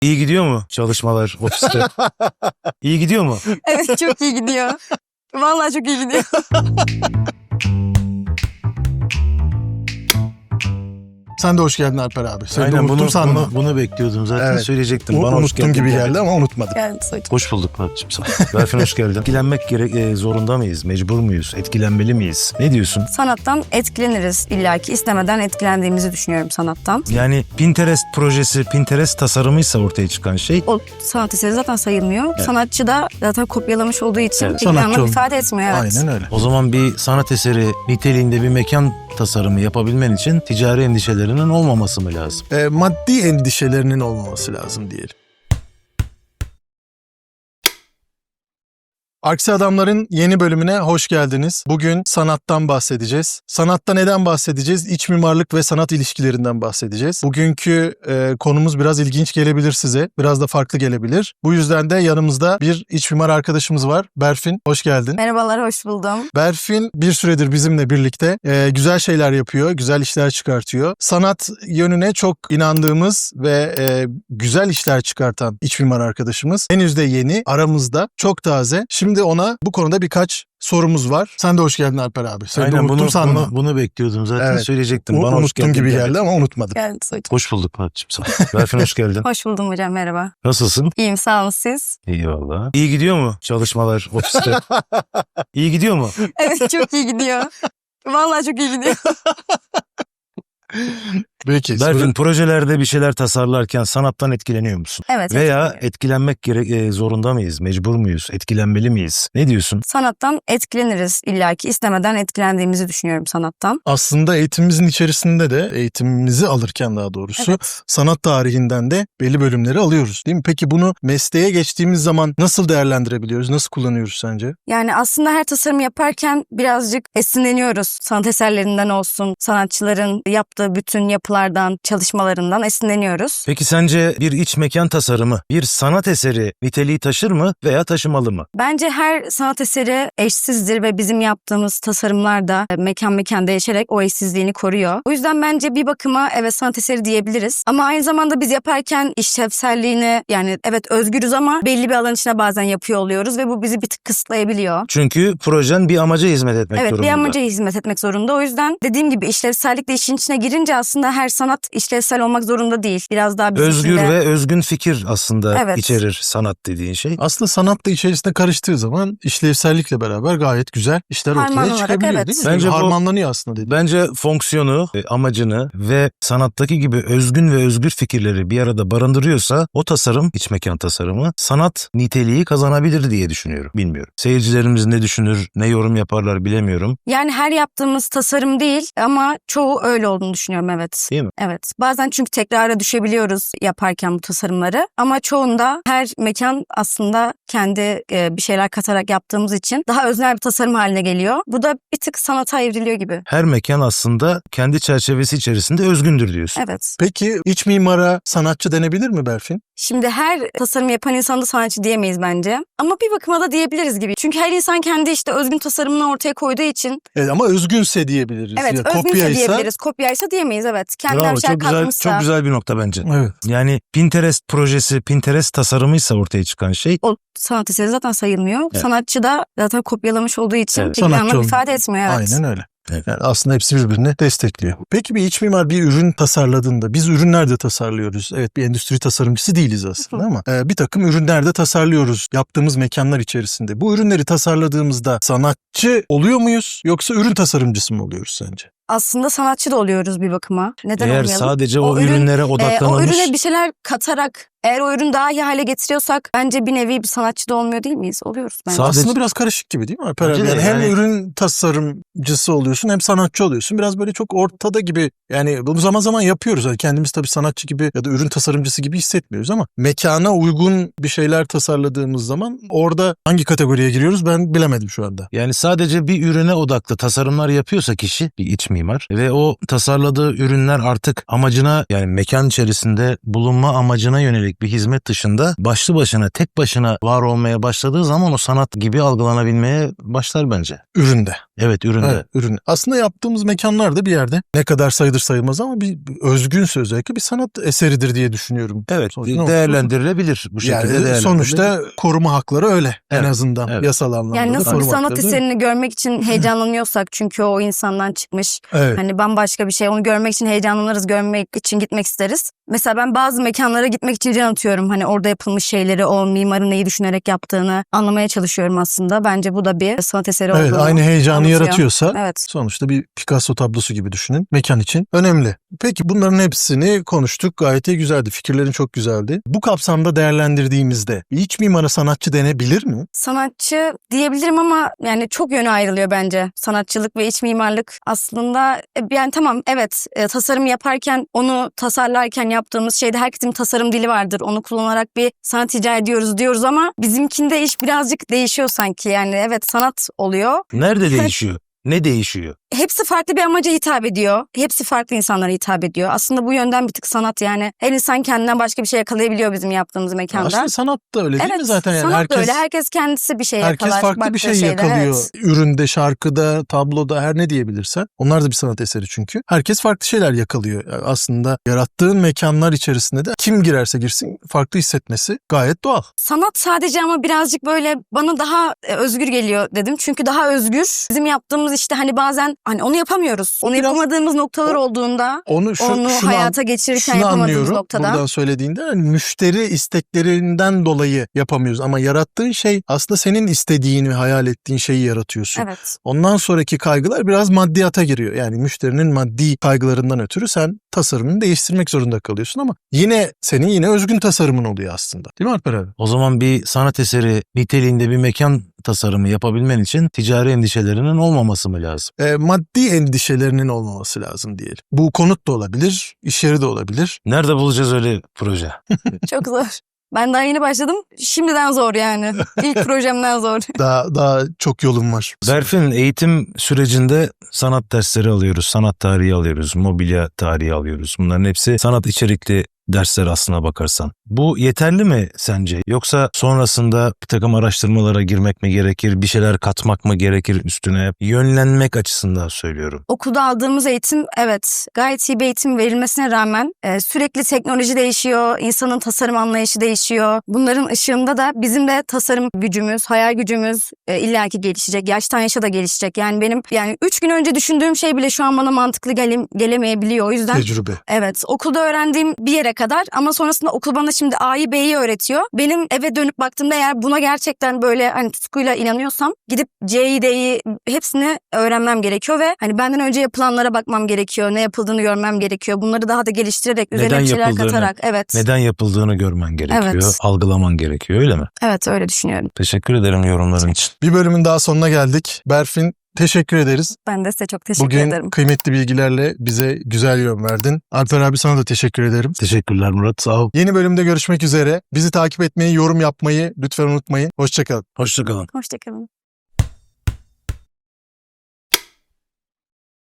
İyi gidiyor mu çalışmalar ofiste? İyi gidiyor mu? Evet, çok iyi gidiyor. Vallahi çok iyi gidiyor. Sen de hoş geldin Alper abi. Seni de Aynen unuttum sanma. bunu bekliyordum zaten, Evet. söyleyecektim. Bana hoş Unuttum geldin gibi dedi. geldi ama unutmadım. Yani Hoş bulduk Fatih'cim sana. Berfin hoş geldin. Etkilenmek zorunda mıyız? Mecbur muyuz? Etkilenmeli miyiz? Ne diyorsun? sanattan etkileniriz illaki. İstemeden etkilendiğimizi düşünüyorum sanattan. Yani Pinterest projesi, Pinterest tasarımıysa ortaya çıkan şey. O sanat eseri zaten sayılmıyor. Evet. Sanatçı da zaten kopyalamış olduğu için Evet. bir Sanatçı anlam olmuş. ifade etmiyor. Evet. Aynen öyle. O zaman bir sanat eseri niteliğinde bir mekan tasarımı yapabilmen için ticari endişelerinin olmaması mı lazım? Maddi endişelerinin olmaması lazım diyelim. Aksi Adamlar'ın yeni bölümüne hoş geldiniz. Bugün sanattan bahsedeceğiz. Sanatta neden bahsedeceğiz? İç mimarlık ve sanat ilişkilerinden bahsedeceğiz. Bugünkü konumuz biraz ilginç gelebilir size. Biraz da farklı gelebilir. Bu yüzden de yanımızda bir iç mimar arkadaşımız var. Berfin, hoş geldin. Merhabalar, hoş buldum. Berfin bir süredir bizimle birlikte güzel şeyler yapıyor, güzel işler çıkartıyor. Sanat yönüne çok inandığımız ve güzel işler çıkartan iç mimar arkadaşımız. Henüz de yeni, aramızda, çok taze. Şimdi ona bu konuda birkaç sorumuz var. Sen de hoş geldin Alper abi. Seni de unuttum sanma. bunu bekliyordum zaten, Evet. söyleyecektim. Bana hoş Unuttum geldin gibi dedi. geldi ama unutmadım. Yani Hoş bulduk Fatih'cim sana. Berfin hoş geldin. hoş buldum hocam, merhaba. Nasılsın? İyiyim, sağ olun siz. İyi valla. İyi gidiyor mu çalışmalar ofiste? İyi gidiyor mu? Evet, çok iyi gidiyor. Vallahi çok iyi gidiyor. Peki. Berfin, projelerde bir şeyler tasarlarken sanattan etkileniyor musun? Evet. Veya etkileniyorum. etkilenmek zorunda mıyız? Mecbur muyuz? Etkilenmeli miyiz? Ne diyorsun? Sanattan etkileniriz illaki. İstemeden etkilendiğimizi düşünüyorum sanattan. Aslında eğitimimizin içerisinde de eğitimimizi alırken daha doğrusu Evet. sanat tarihinden de belli bölümleri alıyoruz değil mi? Peki bunu mesleğe geçtiğimiz zaman nasıl değerlendirebiliyoruz? Nasıl kullanıyoruz sence? Yani aslında her tasarım yaparken birazcık esinleniyoruz. Sanat eserlerinden olsun, sanatçıların yaptığı bütün yapılardan, çalışmalarından esinleniyoruz. Peki sence bir iç mekan tasarımı bir sanat eseri niteliği taşır mı veya taşımalı mı? Bence her sanat eseri eşsizdir ve bizim yaptığımız tasarımlar da mekan değişerek o eşsizliğini koruyor. O yüzden bence bir bakıma evet sanat eseri diyebiliriz. Ama aynı zamanda biz yaparken işlevselliğini, yani evet özgürüz ama belli bir alan içine bazen yapıyor oluyoruz ve bu bizi bir tık kısıtlayabiliyor. Çünkü projen bir amaca hizmet etmek Evet, durumunda. bir amaca hizmet etmek zorunda. O yüzden dediğim gibi işlevsellik de işin içine girince aslında her sanat işlevsel olmak zorunda değil. Biraz daha bizim Özgür için de... ve özgün fikir aslında Evet. içerir sanat dediğin şey. Aslında sanat da içerisinde karıştığı zaman işlevsellikle beraber gayet güzel işler ortaya Harmanlanarak, çıkabiliyor evet. değil mi? Bence bu- Harmanlanıyor aslında dedi. Bence fonksiyonu, amacını ve sanattaki gibi özgün ve özgür fikirleri bir arada barındırıyorsa o tasarım, iç mekan tasarımı sanat niteliği kazanabilir diye düşünüyorum. Bilmiyorum. Seyircilerimiz ne düşünür, ne yorum yaparlar bilemiyorum. Yani her yaptığımız tasarım değil ama çoğu öyle olduğunu düşünüyorum, evet. Değil mi? Evet. Bazen çünkü tekrara düşebiliyoruz yaparken bu tasarımları. Ama çoğunda her mekan aslında kendi bir şeyler katarak yaptığımız için daha öznel bir tasarım haline geliyor. Bu da bir tık sanata evriliyor gibi. Her mekan aslında kendi çerçevesi içerisinde özgündür diyorsun. Evet. Peki iç mimara sanatçı denebilir mi Berfin? Şimdi her tasarım yapan insan da sanatçı diyemeyiz bence. Ama bir bakıma da diyebiliriz gibi. Çünkü her insan kendi işte özgün tasarımını ortaya koyduğu için. Evet ama özgünse diyebiliriz. Evet, Ya, özgünse kopyaysa... diyebiliriz. Kopyaysa diyemeyiz, evet. Kendinden Bravo, bir şeyler çok güzel, katmışsa. çok güzel bir nokta bence. Evet. Yani Pinterest projesi, Pinterest tasarımıysa ortaya çıkan şey. O sanat eseri zaten sayılmıyor. Evet. Sanatçı da zaten kopyalamış olduğu için Evet. bir Sanatçı anlam olmuş. ifade etmiyor. Evet. Aynen öyle. Evet. Yani aslında hepsi birbirini destekliyor. Peki bir iç mimar bir ürün tasarladığında, biz ürünler de tasarlıyoruz. Evet, bir endüstri tasarımcısı değiliz aslında ama bir takım ürünler de tasarlıyoruz yaptığımız mekanlar içerisinde. Bu ürünleri tasarladığımızda sanatçı oluyor muyuz yoksa ürün tasarımcısı mı oluyoruz sence? Aslında sanatçı da oluyoruz bir bakıma. Neden Eğer olmayalım? sadece o ürün, ürünlere o odaklanılmış. ürüne bir şeyler katarak eğer o ürünü daha iyi hale getiriyorsak bence bir nevi bir sanatçı da olmuyor değil miyiz? Oluyoruz bence. Sadece- Aslında biraz karışık gibi değil mi Alper abi? Bence de Yani hem yani- ürün tasarımcısı oluyorsun hem sanatçı oluyorsun. Biraz böyle çok ortada gibi, yani bunu zaman zaman yapıyoruz. Yani kendimiz tabii sanatçı gibi ya da ürün tasarımcısı gibi hissetmiyoruz ama mekana uygun bir şeyler tasarladığımız zaman orada hangi kategoriye giriyoruz ben bilemedim şu anda. Yani sadece bir ürüne odaklı tasarımlar yapıyorsa kişi, bir iç mimar ve o tasarladığı ürünler artık amacına, yani mekan içerisinde bulunma amacına yönelik bir hizmet dışında başlı başına, tek başına var olmaya başladığı zaman o sanat gibi algılanabilmeye başlar bence. Üründe. Evet, üründe. Evet, ürün. Aslında yaptığımız mekanlar da bir yerde ne kadar sayılır sayılmaz ama bir özgünse özellikle bir sanat eseridir diye düşünüyorum. Evet, Sonuçta değerlendirilebilir bu şekilde, yani değerlendirilebilir. sonuçta koruma hakları öyle en Evet, azından evet. yasal anlamda Yani da nasıl bir koruma sanat hakları değil mi? eserini görmek için heyecanlanıyorsak çünkü o insandan çıkmış. Evet. Hani bambaşka bir şey. Onu görmek için heyecanlanırız, görmek için gitmek isteriz. Mesela ben bazı mekanlara gitmek için can atıyorum. Hani orada yapılmış şeyleri, o mimarın neyi düşünerek yaptığını anlamaya çalışıyorum aslında. Bence bu da bir sanat eseri Evet, olduğunu aynı heyecanı anlatıyor. yaratıyorsa Evet. sonuçta bir Picasso tablosu gibi düşünün. Mekan için önemli. Peki bunların hepsini konuştuk. Gayet iyi, güzeldi. Fikirlerin çok güzeldi. Bu kapsamda değerlendirdiğimizde iç mimara sanatçı denebilir mi? Sanatçı diyebilirim ama yani çok yönü ayrılıyor bence. Sanatçılık ve iç mimarlık aslında yani tamam evet tasarım yaparken onu tasarlarken yaptığımız şeyde herkesin tasarım dili vardır. Onu kullanarak bir sanat icra ediyoruz diyoruz ama bizimkinde iş birazcık değişiyor sanki. Yani evet sanat oluyor. Nerede değişiyor? Ne değişiyor? Hepsi farklı bir amaca hitap ediyor. Hepsi farklı insanlara hitap ediyor. Aslında bu yönden bir tık sanat yani. Her insan kendinden başka bir şey yakalayabiliyor bizim yaptığımız mekanda. Aslında sanat da öyle değil mi zaten? Yani sanat da öyle. Herkes kendisi bir şey yakalar. herkes farklı bir baktığı şey şeyde, yakalıyor. evet. Üründe, şarkıda, tabloda her ne diyebilirsen. Onlar da bir sanat eseri çünkü. Herkes farklı şeyler yakalıyor. Yani aslında yarattığın mekanlar içerisinde de kim girerse girsin farklı hissetmesi gayet doğal. Sanat sadece ama birazcık böyle bana daha özgür geliyor dedim. Çünkü daha özgür. Bizim yaptığımız işte hani bazen hani onu yapamıyoruz. Onu Biraz yapamadığımız noktalar olduğunda Onu onu hayata geçirirken şunu yapamadığımız anlıyorum noktada. buradan söylediğinde hani müşteri isteklerinden dolayı yapamıyoruz ama yarattığın şey aslında senin istediğin ve hayal ettiğin şeyi yaratıyorsun. Evet. Ondan sonraki kaygılar biraz maddiyata giriyor. Yani müşterinin maddi kaygılarından ötürü sen tasarımını değiştirmek zorunda kalıyorsun ama senin özgün tasarımın oluyor aslında. Değil mi Alper abi? O zaman bir sanat eseri niteliğinde bir mekan tasarımı yapabilmen için ticari endişelerinin olmaması mı lazım? Maddi endişelerinin olmaması lazım diyelim. Bu konut da olabilir, iş yeri de olabilir. Nerede bulacağız öyle proje? Çok zor. Ben daha yeni başladım. Şimdiden zor yani. İlk projemden zor. Daha çok yolum var. Berfin, eğitim sürecinde sanat dersleri alıyoruz, sanat tarihi alıyoruz, mobilya tarihi alıyoruz. Bunların hepsi sanat içerikli dersler aslına bakarsan. Bu yeterli mi sence? Yoksa sonrasında bir takım araştırmalara girmek mi gerekir, bir şeyler katmak mı gerekir üstüne? Yönlenmek açısından söylüyorum. Okulda aldığımız eğitim evet gayet iyi bir eğitim verilmesine rağmen sürekli teknoloji değişiyor, insanın tasarım anlayışı değişiyor. Bunların ışığında da bizim de tasarım gücümüz, hayal gücümüz illaki gelişecek. Yaştan yaşa da gelişecek. Yani benim 3 gün önce düşündüğüm şey bile şu an bana mantıklı gelemeyebiliyor. O yüzden Tecrübe. evet okulda öğrendiğim bir yere kadar ama sonrasında okul bana şimdi A'yı B'yi öğretiyor. Benim eve dönüp baktığımda eğer buna gerçekten böyle hani tutkuyla inanıyorsam gidip C'yi D'yi hepsini öğrenmem gerekiyor ve hani benden önce yapılanlara bakmam gerekiyor. Ne yapıldığını görmem gerekiyor. Bunları daha da geliştirerek üzerine Neden bir şeyler yapıldığını, katarak. Evet. Neden yapıldığını görmen gerekiyor, Evet. algılaman gerekiyor, öyle mi? Evet öyle düşünüyorum. Teşekkür ederim yorumların için. Bir bölümün daha sonuna geldik. Berfin, teşekkür ederiz. Ben de size çok teşekkür Bugün ederim. kıymetli bilgilerle bize güzel yön verdin. Alper abi sana da teşekkür ederim. Teşekkürler Murat, sağ ol. Yeni bölümde görüşmek üzere. Bizi takip etmeyi, yorum yapmayı lütfen unutmayın. Hoşça kalın. Hoşça kalın. Hoşçakalın.